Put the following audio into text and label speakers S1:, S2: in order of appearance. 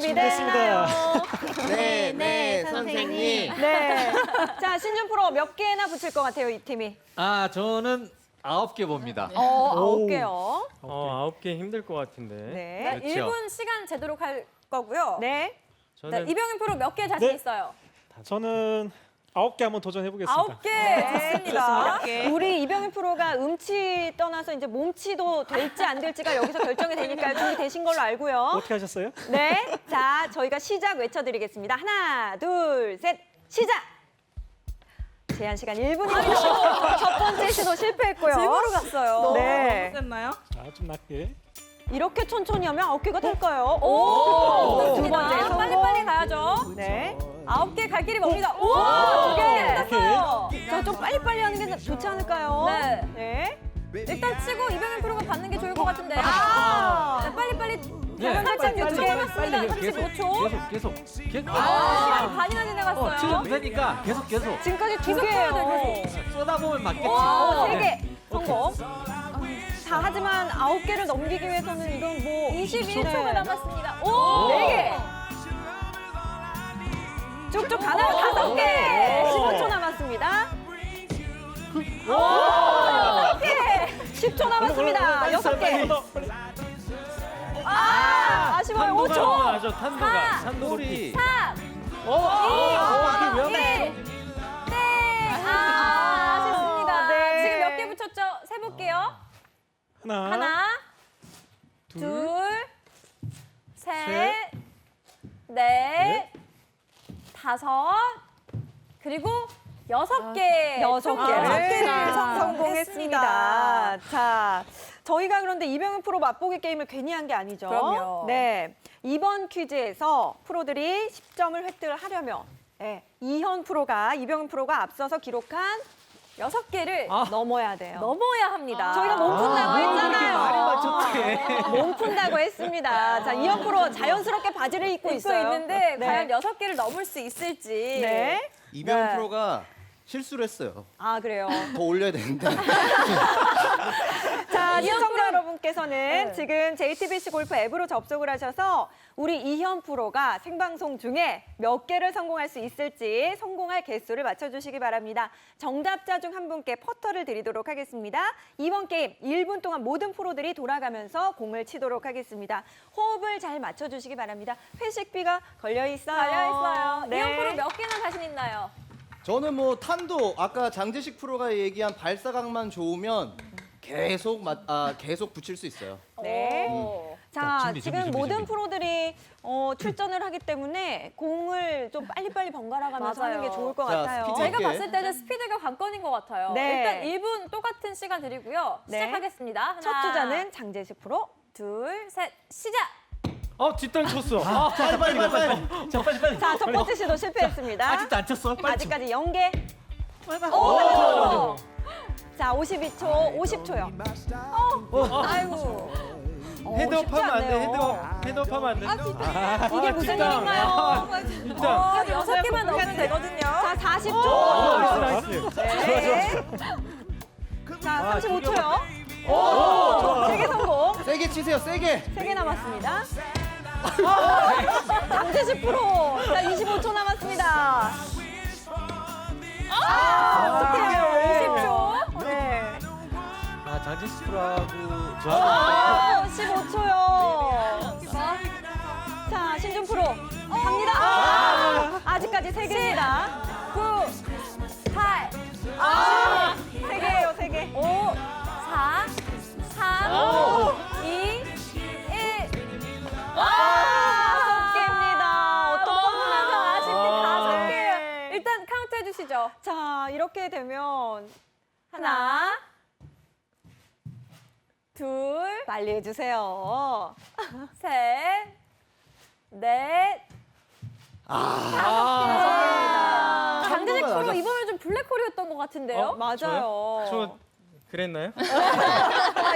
S1: 준비됐나요?
S2: 네, 선생님.
S1: 네. 자, 신준 프로 몇 개나 붙일 것 같아요, 이 팀이?
S3: 아, 저는 9개 봅니다.
S1: 9개요.
S4: 9개 힘들 것 같은데.
S1: 네.
S3: 그렇죠.
S5: 1분 시간 제도록 할 거고요.
S1: 네.
S4: 저는
S5: 네, 이병현 프로 몇 개 자신
S6: 네.
S5: 있어요?
S6: 저는 9개 한번 도전해 보겠습니다.
S5: 9개 좋습니다.
S1: 우리 이병희 프로가 음치 떠나서 이제 몸치도 될지 안 될지가 여기서 결정이 되니까요. 준비되신 걸로 알고요.
S6: 어떻게 하셨어요?
S1: 네. 자, 저희가 시작 외쳐드리겠습니다. 하나, 둘, 셋, 시작! 제한 시간 1분입니다. 첫 번째 시도 실패했고요.
S5: 즐거로 갔어요.
S1: 네.
S6: 좀 낮게.
S1: 이렇게 천천히 하면 9개가 될까요?
S5: 오,
S1: 두 번째 성공.
S5: 빨리빨리 가야죠.
S1: 네.
S5: 9개 갈 길이 멉니다. 오,
S1: 두 개.
S5: 됐어요.
S1: 자, 좀 빨리빨리 하는 게 좋지 않을까요?
S5: 네.
S1: 네.
S5: 일단 치고 이병현 프로가 받는 게 좋을 것 같은데요.
S1: 아.
S5: 네, 빨리빨리.
S3: 네.
S5: 36초 남았습니다. 35초.
S3: 계속.
S5: 시간이 반이나 지나갔어요.
S3: 지금 되니까 계속.
S1: 지금까지 두
S5: 계속 해야
S1: 개예요.
S5: 돼요,
S3: 쏟아보면 맞겠지.
S1: 오, 세
S3: 네.
S1: 개 성공. 자, 하지만 9개를 넘기기 위해서는 이건 뭐
S5: 21초가 남았습니다. 오!
S1: 네 개. 쭉쭉 가나요? 5개. 15초 남았습니다. 오! 6개. 10초 남았습니다. 6개. 아, 아쉬워요. 5초.
S3: 탄도리.
S5: 3,
S3: 이게 왜
S5: 2,
S3: 네.
S5: 1. 네. 아쉽습니다.
S1: 네.
S5: 지금 몇 개 붙였죠? 세볼게요. 하나, 둘, 셋, 넷, 다섯, 그리고 6개.
S1: 6개를
S5: 성공했습니다.
S1: 성공했습니다. 자, 저희가 그런데 이병현 프로 맛보기 게임을 괜히 한 게 아니죠.
S5: 그럼요.
S1: 네. 이번 퀴즈에서 프로들이 10점을 획득을 하려면 이병현 프로가 앞서서 기록한
S5: 6개를
S1: 넘어야 돼요.
S5: 넘어야 합니다.
S1: 저희가 몸 푼다고 했잖아요.
S3: 말이 맞췄대.
S1: 몸 푼다고 했습니다. 자, 이현 프로 자연스럽게 바지를 입고
S5: 입고
S1: 있어요.
S5: 있는데
S1: 네.
S5: 과연 6개를 넘을 수 있을지.
S1: 네.
S2: 이병현
S1: 네.
S2: 프로가 실수를 했어요.
S1: 아, 그래요.
S2: 더 올려야 되는데.
S1: 자,
S5: 이현
S1: 시청자
S5: 프로-
S1: 여러분께서는
S5: 네.
S1: 지금 JTBC 골프 앱으로 접속을 하셔서 우리 이현 프로가 생방송 중에 몇 개를 성공할 수 있을지 성공할 개수를 맞춰주시기 바랍니다. 정답자 중 한 분께 퍼터를 드리도록 하겠습니다. 이번 게임 1분 동안 모든 프로들이 돌아가면서 공을 치도록 하겠습니다. 호흡을 잘 맞춰주시기 바랍니다. 회식비가 걸려있어요.
S5: 달려있어요.
S1: 네.
S5: 이현 프로 몇 개나 자신 있나요?
S2: 저는 뭐 탄도 아까 장재식 프로가 얘기한 발사각만 좋으면 계속 붙일 수 있어요.
S1: 네.
S5: 오.
S1: 자, 지금 모든 프로들이 출전을 하기 때문에 공을 좀 빨리빨리 번갈아 가면서
S5: 맞아요.
S1: 하는 게 좋을 것
S2: 자,
S1: 같아요.
S2: 스피드.
S5: 제가
S2: 오케이.
S5: 봤을 때는 스피드가 관건인 것 같아요.
S1: 네.
S5: 일단 1분 똑같은 시간 드리고요.
S1: 네.
S5: 시작하겠습니다. 하나,
S1: 첫 주자는 장재식 프로.
S5: 둘, 셋, 시작!
S4: 뒷땅 쳤어.
S2: 빨리.
S3: 자, 빨리.
S1: 자, 첫 번째 시도 실패했습니다.
S3: 아직도 안 쳤어? 빨리 쳐.
S1: 아직까지 0개.
S5: 오!
S1: 자, 52초, 50초요.
S5: 아이고.
S4: 헤드업 하면 안 돼.
S1: 않네요.
S4: 헤드업 하면 안 돼.
S1: 이게 무슨 일인가요?
S4: 뒷땅.
S5: 6개만 넣으면 되거든요.
S1: 자, 40초.
S4: 나이스.
S1: 네. 자, 35초요. 세 개 성공.
S2: 세게 치세요, 세게.
S1: 3개 남았습니다. 장재식 프로. 자, 25초 남았습니다. 어떡해요. 20초. 네.
S3: 장지식 프로하고 저하고
S1: 15초요. 자, 신준 프로. 갑니다. 아직까지 3개입니다.
S5: 9, 8,
S1: 3개예요, 3개.
S5: 5, 4, 3, 2, 1.
S1: 다섯 개입니다. 어떡하나.
S5: 아쉽게
S1: 네.
S5: 5개예요. 일단 카운트 해주시죠.
S1: 자, 이렇게 되면
S5: 하나, 둘,
S1: 빨리 해주세요.
S5: 셋, 넷,
S1: 다섯
S5: 장재식
S2: 한번만
S5: 프로
S2: 하자.
S5: 이번에 좀 블랙홀이었던 것 같은데요?
S1: 맞아요.
S4: 저 그랬나요?
S1: 자,